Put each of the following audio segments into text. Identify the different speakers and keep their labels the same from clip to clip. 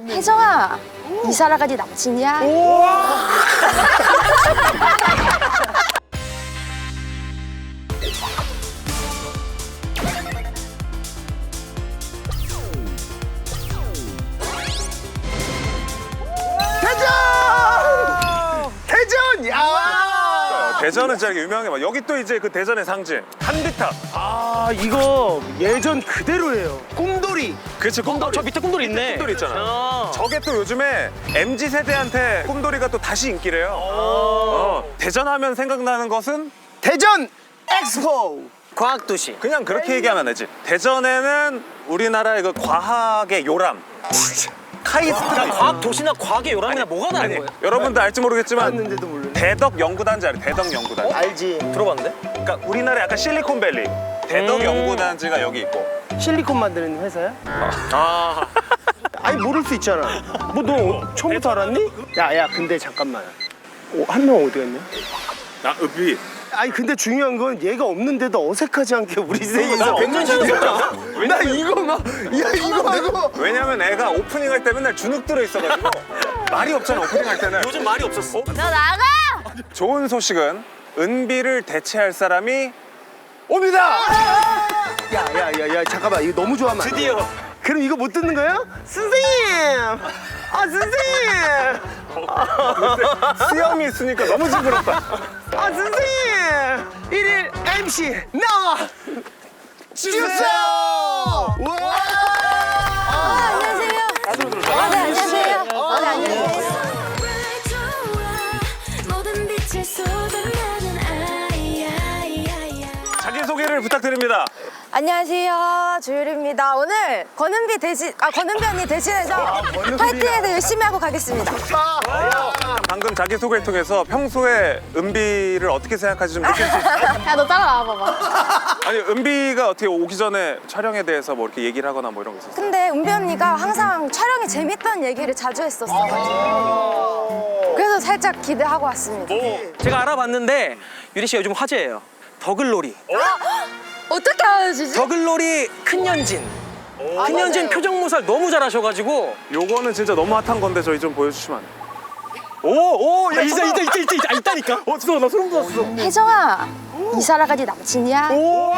Speaker 1: 혜정아, 이사라가지 남친이야?
Speaker 2: 대전! 야!
Speaker 3: 대전은 진짜 유명해. 여기 또 이제 그 대전의 상징 한비탑.
Speaker 2: 아, 이거 예전 그대로예요. 꿈돌이.
Speaker 3: 그렇지, 꿈돌이.
Speaker 4: 저 밑에 꿈돌이 있네.
Speaker 3: 꿈돌이 있잖아.
Speaker 4: 어.
Speaker 3: 저게 또 요즘에 MZ 세대한테 꿈돌이가 또 다시 인기래요. 대전하면 생각나는 것은
Speaker 2: 대전 엑스포.
Speaker 4: 과학도시.
Speaker 3: 그냥 그렇게 얘기하면 되지. 대전에는 우리나라의 그 과학의 요람. 카이스트가 있어.
Speaker 4: 과학도시나 과학의 요람이나 뭐가 다른 거예요?
Speaker 3: 여러분도 알지 모르겠지만
Speaker 2: 봤는데도 모르네.
Speaker 3: 대덕 연구단지 알아요? 대덕 연구단지.
Speaker 2: 알지.
Speaker 4: 들어봤는데?
Speaker 3: 그러니까 우리나라 약간 실리콘밸리. 대덕 연구단지가 여기 있고.
Speaker 2: 실리콘 만드는 회사야?
Speaker 4: 아.
Speaker 2: 아니 모를 수 있잖아. 뭐 너 처음부터 알았니? 야, 근데 잠깐만. 한 명 어디 갔냐?
Speaker 3: 나 읍이.
Speaker 2: 아니 근데 중요한 건 얘가 없는데도 어색하지 않게 우리 셋이서
Speaker 4: 백년 전이었잖아.
Speaker 2: 나 이거 막, 야 이거
Speaker 3: 왜냐면 애가 오프닝 할 때 맨날 주눅 들어 있어가지고 말이 없잖아, 오프닝 할 때는.
Speaker 4: 요즘 말이 없었어.
Speaker 1: 너 나가!
Speaker 3: 좋은 소식은 은비를 대체할 사람이 옵니다!
Speaker 2: 야 잠깐만 이거 너무 좋아하면 안 돼.
Speaker 4: 드디어.
Speaker 2: 그럼 이거 못 듣는 거야? 선생님! 아 선생님!
Speaker 3: 수염이 있으니까 너무 징그럽다.
Speaker 2: 아 선생님! 1일 MC 나와! 주세요! 와!
Speaker 1: 안녕하세요. 네, 안녕하세요. 네, 안녕하세요.
Speaker 5: 모든 빛을 쏟아내는
Speaker 3: 자기소개를 부탁드립니다.
Speaker 1: 안녕하세요. 조율입니다. 오늘 권은비 언니 대신해서 파이팅해서 열심히 하고 가겠습니다.
Speaker 3: 방금 자기소개를 통해서 평소에 은비를 어떻게 생각하지 좀 느낄 수 있어요?
Speaker 1: 야, 너 따라와 봐봐.
Speaker 3: 아니, 은비가 어떻게 오기 전에 촬영에 대해서 뭐 이렇게 얘기를 하거나 뭐 이런 거 있었어요?
Speaker 1: 근데 은비 언니가 항상 촬영이 재밌다는 얘기를 자주 했었어가지고 그래서 살짝 기대하고 왔습니다.
Speaker 4: 제가 알아봤는데 유리 씨가 요즘 화제예요. 더글로리.
Speaker 1: 어떻게 알아주지?
Speaker 4: 더글로리 큰년진. 큰년진
Speaker 1: 맞아요.
Speaker 4: 표정 모살 너무 잘하셔가지고.
Speaker 3: 요거는 진짜 너무 핫한 건데 저희 좀 보여주시면 안 돼요? 오, 야,
Speaker 4: 있다니까.
Speaker 3: 나 소름 돋았어.
Speaker 1: 혜정아, 이사라가지 남친이야?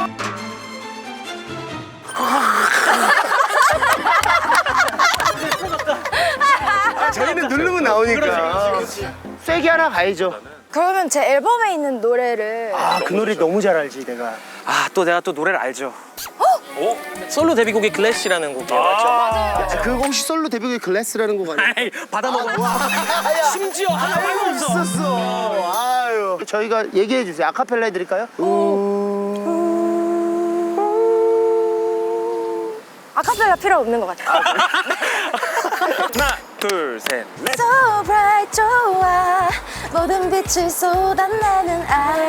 Speaker 2: 저희는 누르면 나오니까 세게 하나 가야죠.
Speaker 1: 그러면 제 앨범에 있는 노래를
Speaker 2: 아 그 노래 너무 잘 알지 내가.
Speaker 4: 아, 또 내가 또 노래를 알죠. 솔로 데뷔곡이 글래시라는 곡이에요. 맞죠?
Speaker 2: 그 혹시 솔로 데뷔곡이 글래스라는 곡 아니야?
Speaker 4: 아이, 받아먹어. 심지어 하나 말고 없어.
Speaker 2: 있었어. 아유. 저희가 얘기해 주세요. 아카펠라 해드릴까요?
Speaker 1: 아카펠라 필요 없는 것 같아요.
Speaker 3: 하나, 둘, 셋, 넷.
Speaker 1: So bright 좋아 모든 빛을 쏟아내는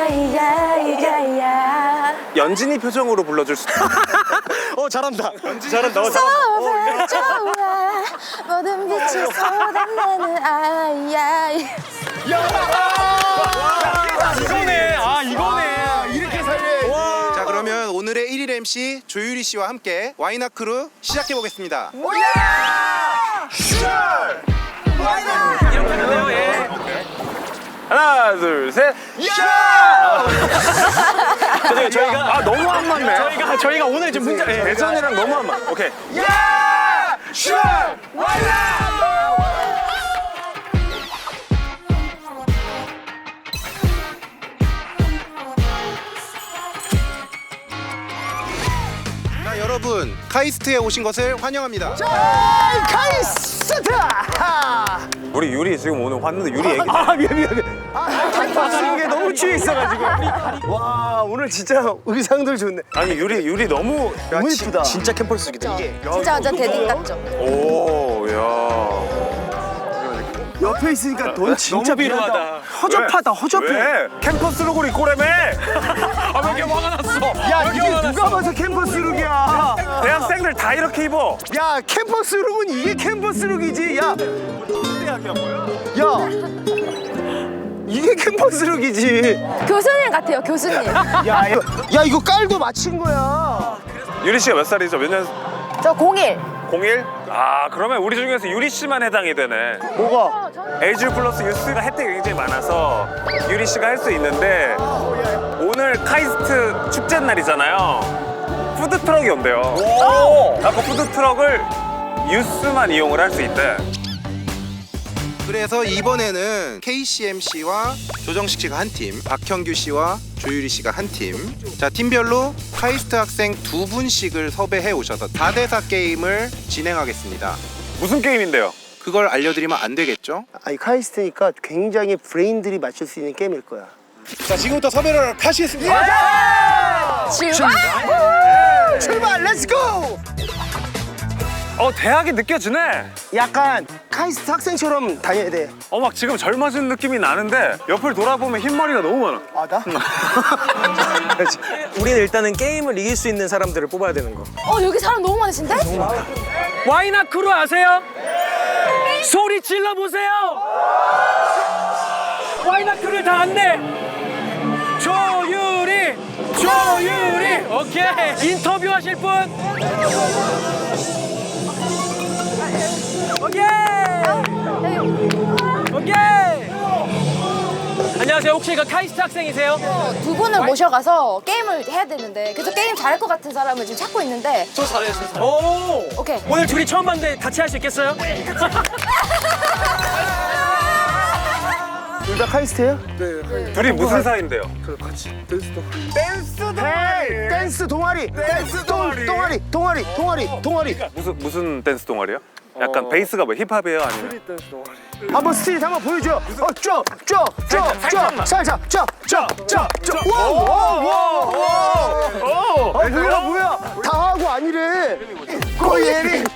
Speaker 1: 아이야
Speaker 3: 연진이 표정으로 불러줄 수 있어.
Speaker 4: 잘한다.
Speaker 3: 잘한다.
Speaker 1: So bright 좋아 모든 빛을 쏟아내는 아이야
Speaker 4: 이거네. 아, 이거네.
Speaker 2: 이렇게 살려야지.
Speaker 6: 자 그러면 오늘의 1일 MC 조유리 씨와 함께 와이나크루 시작해 보겠습니다.
Speaker 4: 이렇게 하는데요, 예.
Speaker 3: 하나, 둘, 셋.
Speaker 4: 저희가
Speaker 3: 너무 안 맞네.
Speaker 4: 저희가 오늘 지금 문제. 예.
Speaker 3: 대전이랑 너무 안 맞. 오케이.
Speaker 6: 자 여러분 카이스트에 오신 것을 환영합니다.
Speaker 2: 카이스트!
Speaker 3: 우리 유리 지금 오늘 왔는데 유리 얘기.
Speaker 2: 미안해. 아, 게 너무 취해 있어가지고. 와 오늘 진짜 의상들 좋네.
Speaker 3: 아니 유리 너무.
Speaker 2: 너무 예쁘다.
Speaker 4: 진짜 캠퍼스기다.
Speaker 1: 진짜 완전 데딩 같죠?
Speaker 3: 오, 야.
Speaker 2: 옆에 있으니까 돈 진짜
Speaker 4: 너무 필요하다.
Speaker 2: 필요하다. 허접하다 허접해.
Speaker 3: 왜? 캠퍼스 룩을 입고라며.
Speaker 4: 아, 왜 이렇게 화가 났어?
Speaker 2: 야 이게 누가 봐서 캠퍼스 룩이야.
Speaker 3: 대학생들 다 이렇게 입어.
Speaker 2: 야 캠퍼스 룩은 이게 캠퍼스 룩이지. 야
Speaker 3: 대학이야 뭐야?
Speaker 2: 야. 이게 캠퍼스 룩이지.
Speaker 1: 교수님 같아요 교수님
Speaker 2: 야 이거 깔도 맞춘 거야.
Speaker 3: 유리 씨가 몇 살이죠? 몇 년?
Speaker 1: 저 01
Speaker 3: 01? 01? 아 그러면 우리 중에서 유리 씨만 해당이 되네.
Speaker 2: 뭐가?
Speaker 3: 에이즈 플러스 유스가 혜택이 굉장히 많아서 유리 씨가 할 수 있는데 오늘 카이스트 축제 날이잖아요. 푸드 트럭이 온대요. 아까 푸드 트럭을 유스만 이용을 할 수 있대.
Speaker 6: 그래서 이번에는 KCMC와 조정식 씨가 한 팀, 박형규 씨와 조유리 씨가 한 팀. 자, 팀별로 카이스트 학생 2분씩을 섭외해 오셔서 다대사 게임을 진행하겠습니다.
Speaker 3: 무슨 게임인데요?
Speaker 6: 그걸 알려드리면 안 되겠죠?
Speaker 2: 아니 카이스트니까 굉장히 브레인들이 맞출 수 있는 게임일 거야.
Speaker 6: 자, 지금부터 섭외를 하시겠습니다.
Speaker 2: 출발, 렛츠고!
Speaker 3: 대학이 느껴지네.
Speaker 2: 약간 카이스트 학생처럼 다녀야 돼.
Speaker 3: 막 지금 젊어진 느낌이 나는데 옆을 돌아보면 흰머리가 너무 많아.
Speaker 2: 아, 나?
Speaker 4: 우리는 일단은 게임을 이길 수 있는 사람들을 뽑아야 되는 거.
Speaker 1: 여기 사람 너무 많으신데?
Speaker 7: 와이나크루 아세요? 소리 질러 보세요. 와이나크루를 다 안내. 조유리, 조유리. 오케이. 인터뷰 하실 분? 오케이. 오케이. 안녕하세요. 혹시 그 카이스트 학생이세요?
Speaker 1: 두 분을 모셔가서 게임을 해야 되는데 그래서 게임 잘할 것 같은 사람을 지금 찾고 있는데
Speaker 7: 저 잘해요. 오.
Speaker 1: 오케이.
Speaker 7: 오늘 둘이 처음 봤는데 같이 할 수 있겠어요?
Speaker 2: 둘 다 카이스트예요?
Speaker 3: 둘이 무슨 사이인데요?
Speaker 2: 헤이! 댄스 동아리! 댄스 동아리! 동아리!
Speaker 3: 무슨 댄스 동아리요? 약간 베이스가 뭐 힙합이에요? 아니면?
Speaker 2: 한번 스트릿 한번 보여줘. 뭐야? 다 하고 아니래. 꼬예린.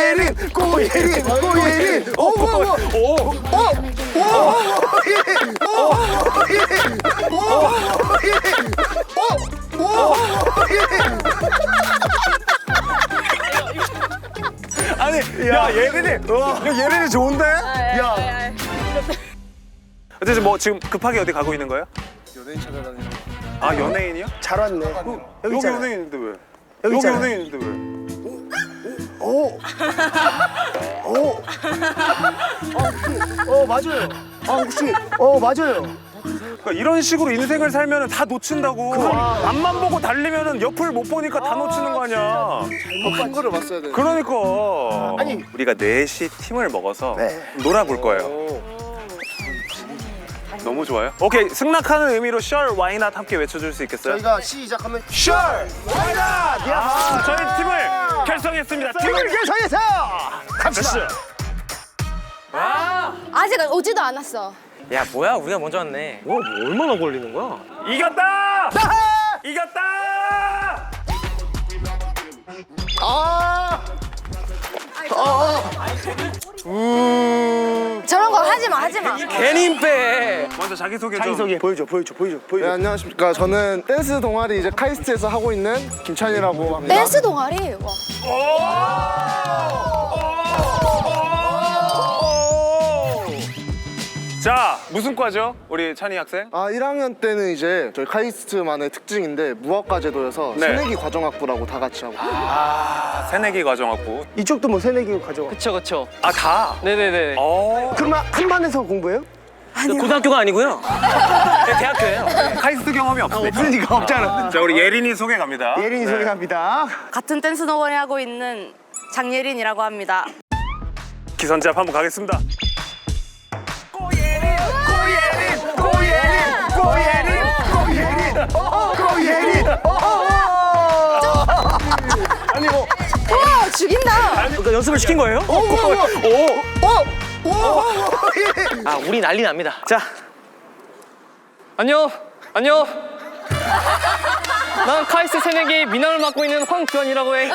Speaker 3: 아니, 야 예린이 좋은데?
Speaker 2: 야,
Speaker 3: 어쨌든 뭐 지금 급하게 어디 가고 있는 거예요? 연예인 찾아다니는. 아 연예인이요?
Speaker 2: 잘 왔네. 여기 있잖아.
Speaker 3: 연예인인데 왜?
Speaker 2: 여기 있잖아.
Speaker 3: 연예인인데 왜?
Speaker 2: 맞아요. 혹시 맞아요.
Speaker 3: 그러니까 이런 식으로 인생을 살면 다 놓친다고. 앞만 보고 달리면 옆을 못 보니까 다 놓치는 거 아니야.
Speaker 2: 한 거를 봤어야 돼.
Speaker 3: 그러니까.
Speaker 2: 아니.
Speaker 3: 우리가 넷이 팀을 먹어서
Speaker 2: 네.
Speaker 3: 놀아볼 거예요. 너무 좋아요. 오케이, 승낙하는 의미로 Sure, Why Not 함께 외쳐줄 수 있겠어요?
Speaker 2: 저희가 시작하면 Sure! Why not?
Speaker 3: 저희 팀을 결성했습니다.
Speaker 2: 팀을 결성해서 갑시다.
Speaker 1: 아직 오지도 않았어.
Speaker 4: 야 뭐야 우리가 먼저 왔네. 뭐 얼마나 걸리는 거야?
Speaker 3: 이겼다! 이겼다!
Speaker 1: 저런 거 하지 마.
Speaker 4: 괜히 빼.
Speaker 3: 먼저 자기소개 좀.
Speaker 2: 자기소개 보여줘.
Speaker 8: 네, 안녕하십니까. 저는 댄스 동아리 이제 카이스트에서 하고 있는 김찬이라고 합니다.
Speaker 1: 댄스 동아리. 와.
Speaker 3: 자, 무슨 과죠? 우리 찬이 학생?
Speaker 8: 1학년 때는 이제 저희 카이스트만의 특징인데 무학과제도여서
Speaker 3: 네.
Speaker 8: 새내기 과정학부라고 다 같이 하고
Speaker 3: 새내기 과정학부.
Speaker 2: 이쪽도 뭐 새내기 가져가.
Speaker 7: 그쵸.
Speaker 3: 아, 다?
Speaker 7: 네네네.
Speaker 2: 그러면 한 반에서 공부해요?
Speaker 4: 고등학교가 아니고요. 대학교예요.
Speaker 3: 카이스트 경험이 없으니까.
Speaker 2: 없으니까 없잖아.
Speaker 3: 자, 우리 예린이 소개 갑니다.
Speaker 2: 예린이 소개합니다.
Speaker 9: 같은 댄스 동아리 하고 있는 장예린이라고 합니다.
Speaker 3: 기선제압 한번 가겠습니다.
Speaker 2: 아니 뭐
Speaker 1: 와 죽인다.
Speaker 4: 그러니까 연습을 시킨 거예요? 아 우리 난리 납니다. 자
Speaker 7: 안녕. 난 카이스트 새내기 미남을 맡고 있는 황주환이라고 해.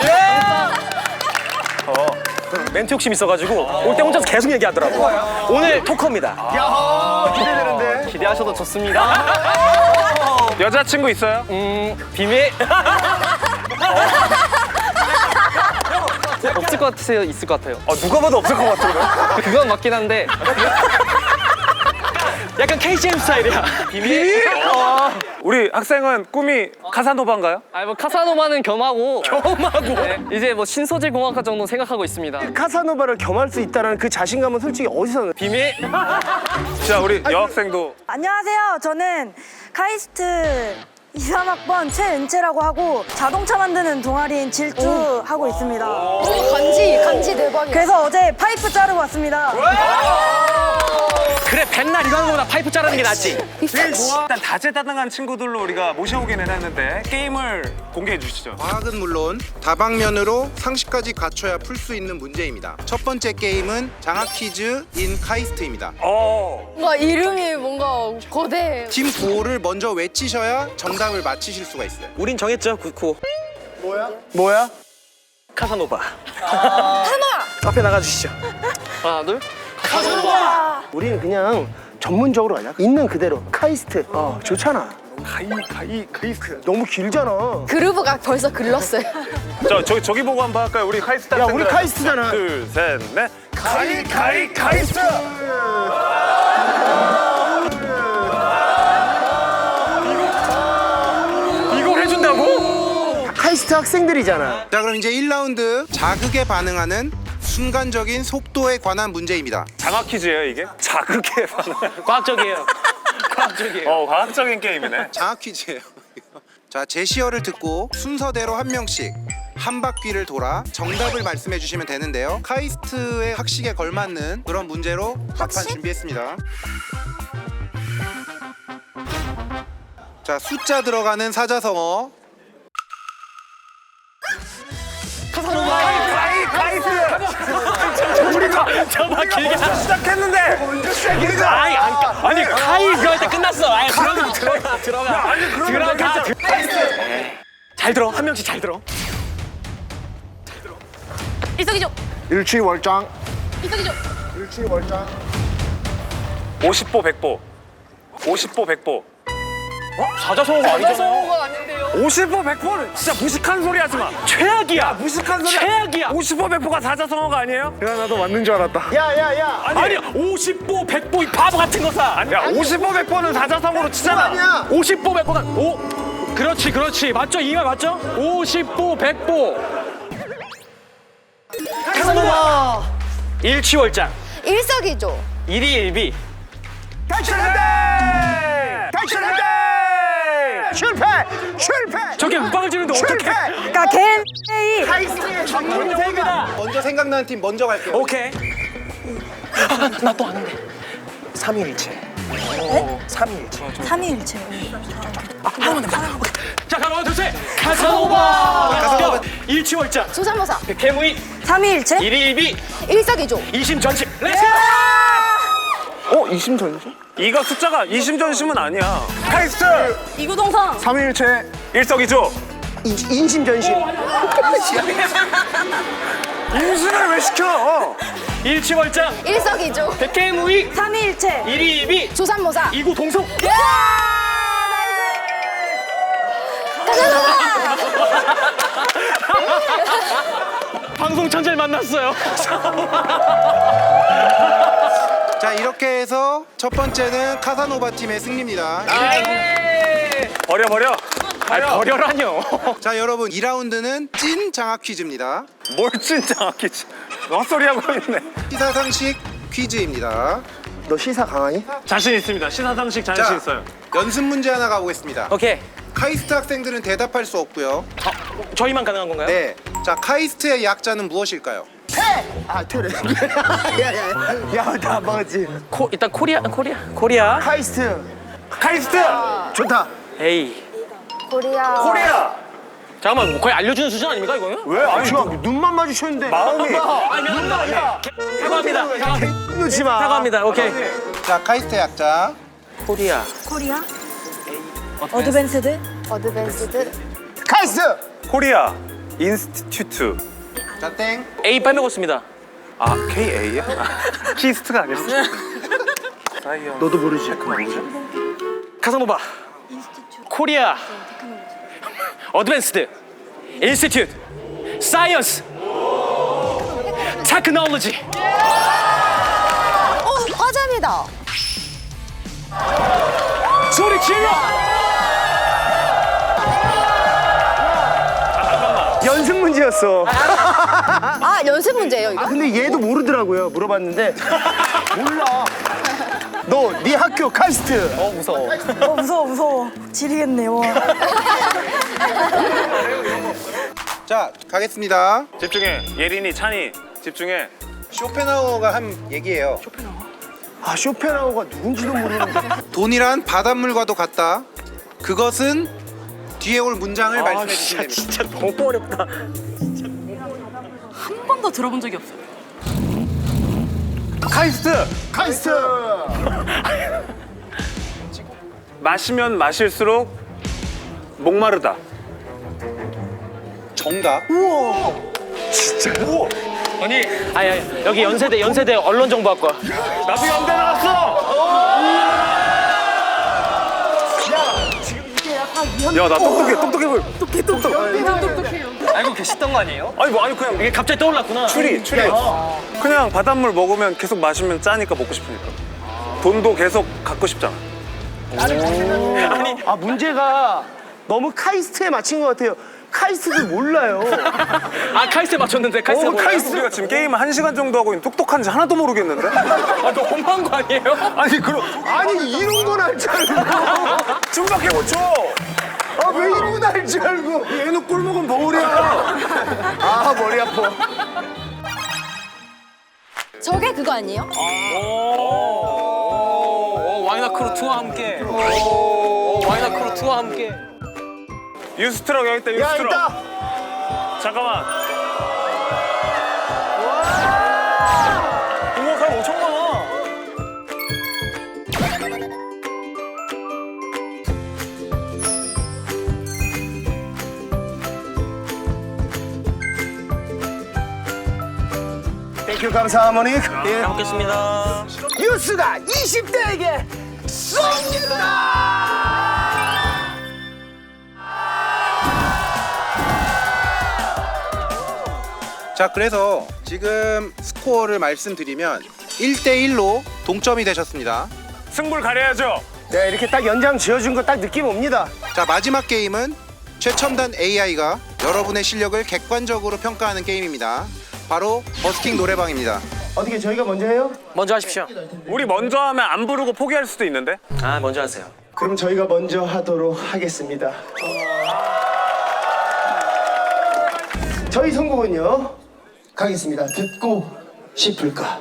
Speaker 4: 멘트 욕심 있어가지고 올 때 혼자서 계속 얘기하더라고. 오늘 토커입니다.
Speaker 2: 기대되는데.
Speaker 7: 기대하셔도 좋습니다.
Speaker 3: 여자친구 있어요?
Speaker 7: 비밀. 없을 것 같으세요? 있을 것 같아요.
Speaker 3: 누가 봐도 없을 것 같은데.
Speaker 7: 그건 맞긴 한데 약간 KCM 스타일이야. 비밀?
Speaker 3: 우리 학생은 꿈이 카사노바인가요?
Speaker 7: 아니 뭐 카사노바는 겸하고. 네, 이제 뭐 신소재 공학과 정도 생각하고 있습니다.
Speaker 2: 카사노바를 겸할 수 있다는 그 자신감은 솔직히 어디서
Speaker 7: 비밀?
Speaker 3: 자, 우리 여학생도
Speaker 9: 안녕하세요. 저는 카이스트 2, 3학번 최은채라고 하고 자동차 만드는 동아리인 질주 하고 있습니다.
Speaker 1: 간지 대박이야.
Speaker 9: 그래서 어제 파이프 자르고 왔습니다.
Speaker 7: 그래 백날 이거 하는 것보다 파이프 자르는 게 낫지.
Speaker 3: 일단 다재다능한 친구들로 우리가 모셔오기는 했는데 게임을 공개해 주시죠.
Speaker 6: 과학은 물론 다방면으로 상식까지 갖춰야 풀 수 있는 문제입니다. 첫 번째 게임은 장학 퀴즈인 카이스트입니다.
Speaker 1: 뭔가 이름이 뭔가 거대.
Speaker 6: 팀 구호를 먼저 외치셔야 정답을 맞히실 수가 있어요.
Speaker 4: 우린 정했죠, 구호.
Speaker 2: 뭐야?
Speaker 4: 카사노바.
Speaker 1: 카노야.
Speaker 2: 앞에 나가주시죠.
Speaker 7: 하나 둘.
Speaker 2: 우리는 그냥 전문적으로 가자. 있는 그대로 카이스트. 좋잖아. 카이스트. 너무 길잖아.
Speaker 1: 그루브가 벌써 글렀어요.
Speaker 3: 저기 보고 한번 할까요? 우리 카이스트
Speaker 2: 야,
Speaker 3: 학생들.
Speaker 2: 우리 카이스트잖아.
Speaker 3: 둘, 셋, 넷. 카이스트!
Speaker 7: 이걸 해준다고?
Speaker 2: 카이스트 학생들이잖아.
Speaker 6: 자, 그럼 이제 1라운드 자극에 반응하는 순간적인 속도에 관한 문제입니다.
Speaker 3: 장학 퀴즈예요, 이게? 자극에 반응.
Speaker 7: 과학적이에요. 과학적이에요.
Speaker 3: 과학적인 게임이네.
Speaker 6: 장학 퀴즈예요. 자, 제시어를 듣고 순서대로 한 명씩 한 바퀴를 돌아 정답을 말씀해 주시면 되는데요. 카이스트의 학식에 걸맞는 그런 문제로 답판 준비했습니다. 자, 숫자 들어가는 사자성어.
Speaker 3: 카이스트!
Speaker 7: 저만 길게
Speaker 3: 시작했는데!
Speaker 7: 아니 카이 이거 할 때 끝났어. 아니 들어가. 잘 들어. 한 명씩 잘 들어.
Speaker 1: 일석이조.
Speaker 8: 일취월장.
Speaker 1: 일석이조.
Speaker 8: 일취월장.
Speaker 3: 50보 100보. 50보 100보.
Speaker 7: 사자성어가 아니잖아요.
Speaker 1: 건 아닌데요.
Speaker 3: 50보 100보는 진짜 무식한 소리 하지 마.
Speaker 7: 최악이야.
Speaker 3: 무식한 소리.
Speaker 7: 최악이야.
Speaker 3: 50보 100보가 사자성어가 아니에요?
Speaker 8: 야, 나도 맞는 줄 알았다.
Speaker 2: 야야야.
Speaker 7: 아니 50보 100보 이 바보 같은 거사.
Speaker 3: 아니야, 50보 100보는 사자성어로 치잖아.
Speaker 2: 아니야.
Speaker 7: 50보 100보가 그렇지 맞죠? 이 말 맞죠? 50보 100보. 카사노바. 일취월장.
Speaker 1: 일석이조.
Speaker 7: 일희일비.
Speaker 2: 실패.
Speaker 7: 저게 윽박을 지르는데 어떡해?
Speaker 9: 그러니까 겐이
Speaker 2: 카이스트의 전문세계다.
Speaker 6: 먼저 생각나는 팀 먼저 갈게요.
Speaker 7: 오케이.
Speaker 4: 나 또 아는데. 삼위일체. 네? 삼위일체.
Speaker 9: 3일체.
Speaker 7: 자, 가만 둘 셋. 카사노바. 일취월장.
Speaker 1: 조삼모사.
Speaker 7: 백해무이.
Speaker 9: 3일체.
Speaker 7: 일희일비.
Speaker 1: 일석이조.
Speaker 7: 이심전심. 렛츠
Speaker 2: 이심전심?
Speaker 3: 이거 숫자가 이심전심은 아니야. 카이스트!
Speaker 9: 이구동성.
Speaker 8: 삼일체.
Speaker 3: 일석이조.
Speaker 2: 인심전심.
Speaker 3: 임신을 왜 시켜?
Speaker 7: 일취월장.
Speaker 1: 일석이조.
Speaker 7: 백해무이.
Speaker 9: 3일체.
Speaker 7: 일희일비.
Speaker 1: 조삼모사.
Speaker 7: 이구동성. 방송 천재를 만났어요.
Speaker 6: 자, 이렇게 해서 첫 번째는 카사노바 팀의 승리입니다.
Speaker 3: 버려.
Speaker 7: 아니 버려라뇨.
Speaker 6: 자, 여러분 2라운드는 찐 장학 퀴즈입니다.
Speaker 3: 뭘 진짜 아끼지? 헛소리 하고 있네.
Speaker 6: 시사상식 퀴즈입니다.
Speaker 2: 너 시사 강하니?
Speaker 3: 자신 있습니다. 시사상식 자신
Speaker 6: 자,
Speaker 3: 있어요.
Speaker 6: 연습 문제 하나 가보겠습니다.
Speaker 7: 오케이.
Speaker 6: 카이스트 학생들은 대답할 수 없고요.
Speaker 7: 저희만 가능한 건가요?
Speaker 6: 네. 자, 카이스트의 약자는 무엇일까요?
Speaker 2: 퇴래. 야야야. 나 먹었지.
Speaker 7: 일단 코리아.
Speaker 2: 카이스트. 좋다.
Speaker 7: 에이.
Speaker 1: 코리아.
Speaker 7: 잠깐만 거의 알려주는 수준 아닙니까 이거는?
Speaker 3: 왜? 아니,
Speaker 2: 눈만 마주쳤는데.
Speaker 3: 마음이.
Speaker 7: 사과합니다.
Speaker 2: 놓지 마.
Speaker 7: 사과합니다. 오케이.
Speaker 6: 자, 카이스트 약자.
Speaker 7: 코리아.
Speaker 9: 어드밴스드.
Speaker 1: 어드밴스드.
Speaker 2: 카이스트.
Speaker 3: 코리아 인스티튜트.
Speaker 6: 자, 땡.
Speaker 7: A 빼먹었습니다.
Speaker 3: 아, KA야? 키스트가 아니었어?
Speaker 2: 너도 모르지.
Speaker 7: 카사노바. 코리아. 어드밴스드. 인스티튜트. 사이언스. 테크놀로지.
Speaker 1: 과잠이다.
Speaker 2: 연습 문제였어.
Speaker 1: 아 연습 문제예요 이거?
Speaker 2: 아 근데 얘도 모르더라고요. 물어봤는데 몰라. 너 네 학교 카이스트.
Speaker 4: 무서워.
Speaker 9: 무서워. 지리겠네요.
Speaker 6: 자, 가겠습니다.
Speaker 3: 집중해. 예린이, 찬이 집중해.
Speaker 6: 쇼펜하우어가 한 얘기예요.
Speaker 2: 아 쇼펜하우가 누군지도 모르는데.
Speaker 6: 돈이란 바닷물과도 같다. 그것은 뒤에 올 문장을 말씀해 주시면 됩니다.
Speaker 4: 진짜 너무 어렵다.
Speaker 10: 한 번도 들어본 적이 없어요.
Speaker 2: 카이스트.
Speaker 3: 마시면 마실수록 목마르다.
Speaker 6: 정답.
Speaker 4: 아니 여기 연세대 언론정보학과.
Speaker 3: 나도 연대 나왔어. 야, 나 똑똑해 보여.
Speaker 4: 알고 계셨던 거 아니에요?
Speaker 3: 아니 그냥
Speaker 4: 이게 갑자기 떠올랐구나.
Speaker 3: 추리. 그냥 바닷물 먹으면 계속 마시면 짜니까 먹고 싶으니까. 돈도 계속 갖고 싶잖아.
Speaker 2: 아니 아 문제가 너무 카이스트에 맞힌 것 같아요. 카이스트도 몰라요.
Speaker 4: 아 카이스트 맞췄는데 카이스트 몰라요?
Speaker 3: 우리가 지금 게임을 1시간 정도 하고 있는 똑똑한지 하나도 모르겠는데?
Speaker 4: 아 너무한 거 아니에요?
Speaker 2: 아니 이런 건 알 줄 알고.
Speaker 3: 춤밖에 못 춰.
Speaker 2: 아 왜 이런 건 알 줄 알고.
Speaker 3: 얘는 꿀먹은 버울이야.
Speaker 2: 아 머리 아파.
Speaker 1: 저게 그거 아니에요?
Speaker 4: 와이나 크루트와 함께. 와이나 크루트와 함께.
Speaker 3: 유스트럭 여기 있다.
Speaker 2: 야
Speaker 3: 유스트럭.
Speaker 2: 있다.
Speaker 3: 잠깐만.
Speaker 4: 우와 사람 엄청 많아.
Speaker 2: 땡큐 감사 어머니. 예.
Speaker 4: 잘 먹겠습니다.
Speaker 2: 뉴스가 20대에게 쏩니다.
Speaker 6: 자, 그래서 지금 스코어를 말씀드리면 1대1로 동점이 되셨습니다.
Speaker 3: 승부를 가려야죠.
Speaker 2: 네 이렇게 딱 연장 지어준 거 딱 느낌 옵니다.
Speaker 6: 자, 마지막 게임은 최첨단 AI가 여러분의 실력을 객관적으로 평가하는 게임입니다. 바로 버스킹 노래방입니다.
Speaker 2: 어떻게 저희가 먼저 해요?
Speaker 4: 먼저 하십시오.
Speaker 3: 우리 먼저 하면 안 부르고 포기할 수도 있는데.
Speaker 4: 아 먼저 하세요.
Speaker 2: 그럼 저희가 먼저 하도록 하겠습니다. 저희 선곡은요. 가겠습니다. 듣고 싶을까?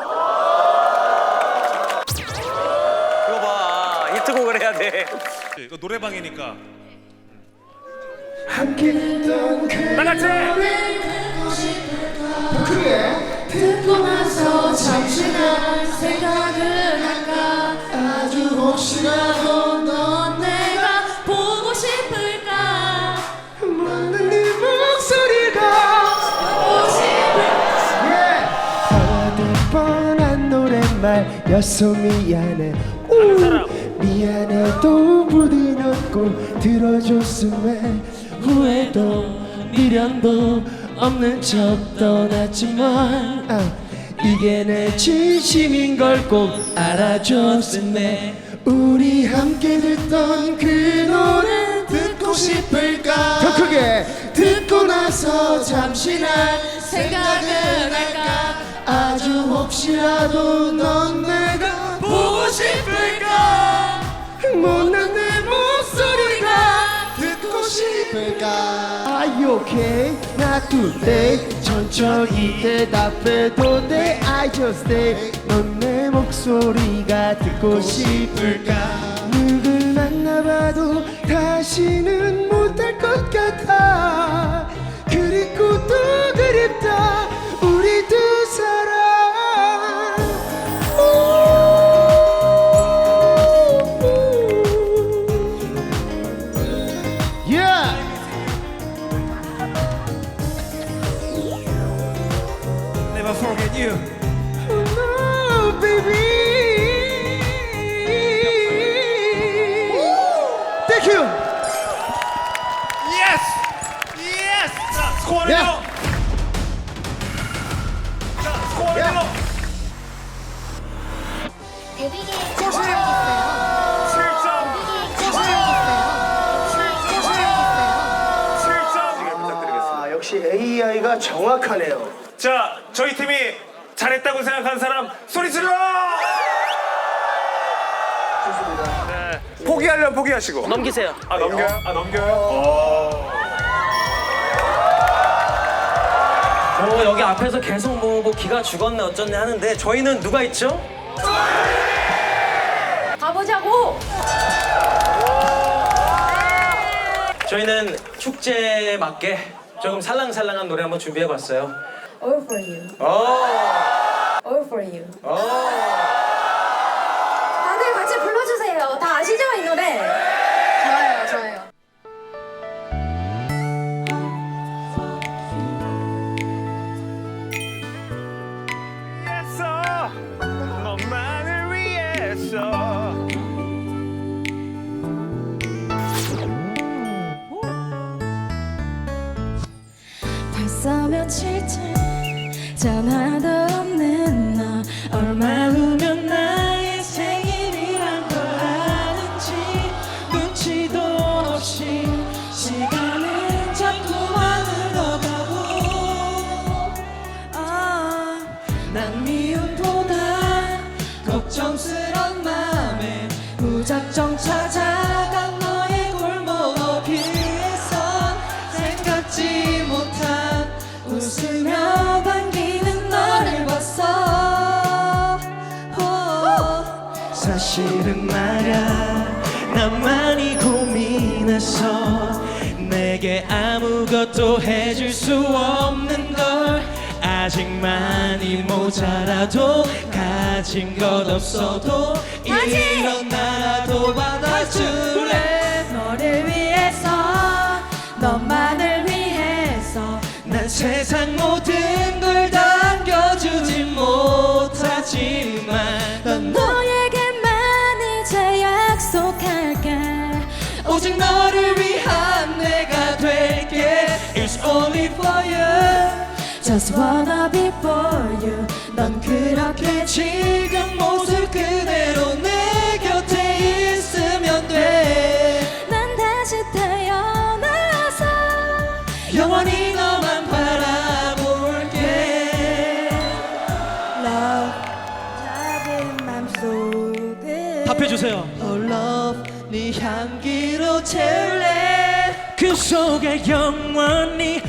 Speaker 4: 이거 봐 히트곡을 해야 돼.
Speaker 3: 이거 노래방이니까.
Speaker 2: 함께 듣던 그
Speaker 3: 다 같이.
Speaker 5: 듣고 나서 잠시만 생각을 할까 아주 혹시라도 넌 내가 보고 싶을까
Speaker 2: 묻는 네 목소리가
Speaker 5: 보고 싶을까
Speaker 2: 받을 뻔한 노랫말여서 미안해 미안해도 부디 넣고 들어줬음에 후회도 미련도 없는 척 떠났지만 이게 내 진심인 걸 꼭 알아줬음에 우리 함께 듣던 그 노래 듣고 싶을까 더 크게 듣고 나서 잠시 날
Speaker 5: 생각을 할까
Speaker 2: 아주 혹시라도 넌 내가
Speaker 5: 보고 싶을까
Speaker 2: 못난 내 목소리가 듣고 싶을까 Are you okay? Not today 천천히 대답해도 돼 I just stay 넌 내 목소리가 듣고 싶을까 누굴 만나봐도 다시는 못할 것 같아 그립고 또 그립다 우리 두 사람 Yeah!
Speaker 7: Never forget you.
Speaker 2: Oh, baby! Thank you!
Speaker 3: 예스. 예스. 자, 스코어는요.
Speaker 2: 야.
Speaker 3: 자, 스코어는요.
Speaker 5: 데뷔 계획 정확하겠어요.
Speaker 3: 7점.
Speaker 2: 정확하네요.
Speaker 3: 자, 저희 팀이 잘했다고 생각하는 사람 소리 질러! 네. 포기하려면 포기하시고.
Speaker 4: 넘기세요.
Speaker 3: 아, 넘겨요? 아, 넘겨요?
Speaker 4: 여기 앞에서 계속 뭐 기가 죽었네 어쩌네 하는데 저희는 누가 있죠?
Speaker 1: 가보자고.
Speaker 4: 저희는 축제에 맞게 조금 살랑살랑한 노래 한번 준비해봤어요.
Speaker 5: All for you. All for you.
Speaker 1: 다들 같이 불러주세요. 다 아시죠 이 노래? 좋아요, 좋아요.
Speaker 3: 너만을 위해서.
Speaker 5: 벌써 며칠째 전화도 없는 너 얼마 후면 나의 생일이란 걸 아는지 눈치도 없이 시간은 자꾸만 흘러가고 난 미움보다 걱정스런 맘에 무작정 찾아간 너의 골목 위에선 생각지 못한 웃으며 반기는 너를 봤어. 사실은 말야 난 많이 고민했어. 내게 아무것도 해줄 수 없는 걸 아직 많이 모자라도 가진 것 없어도 일어나도 받아줄래. 너를 위해서 너만을 위해서 난 세상 모든 걸 당겨주지 못하지만 난 너에게만 이제 약속할게. 오직 너를 위한 내가 될게. It's only for you. Just wanna be for you. 넌 그렇게 지금 모습 그대로 내 곁에 있으면 돼. 난 다시 태어나서 영원히 너만 바라볼게. Love 작은 맘속을
Speaker 7: 답해주세요.
Speaker 5: Oh love 네 향기로 채울래. 그 속에 영원히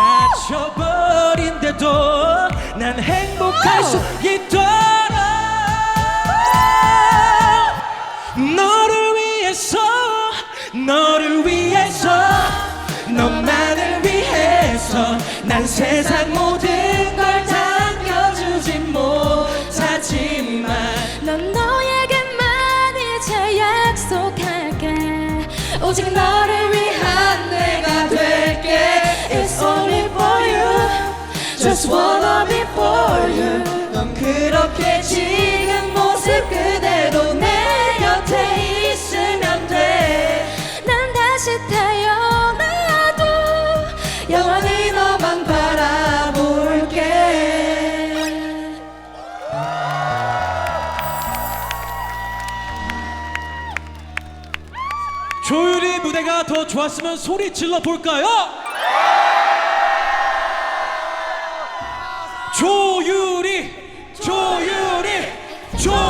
Speaker 5: 갇혀버린데도 난 행복할 수 있도록 너를 위해서 너를 위해서 너만을 위해서 난 세상 모든 걸 당겨주지 못하지만 난 너에게만 이제 약속할게. 오직 너를 위한 내가 될게. It's only for you. Just wanna be for you. 넌 그렇게 지금 모습 그대로 내 곁에 있으면 돼. 난 다시 태어나도 영원히 너만 바라볼게.
Speaker 7: 조율이 무대가 더 좋았으면 소리 질러 볼까요? 조율이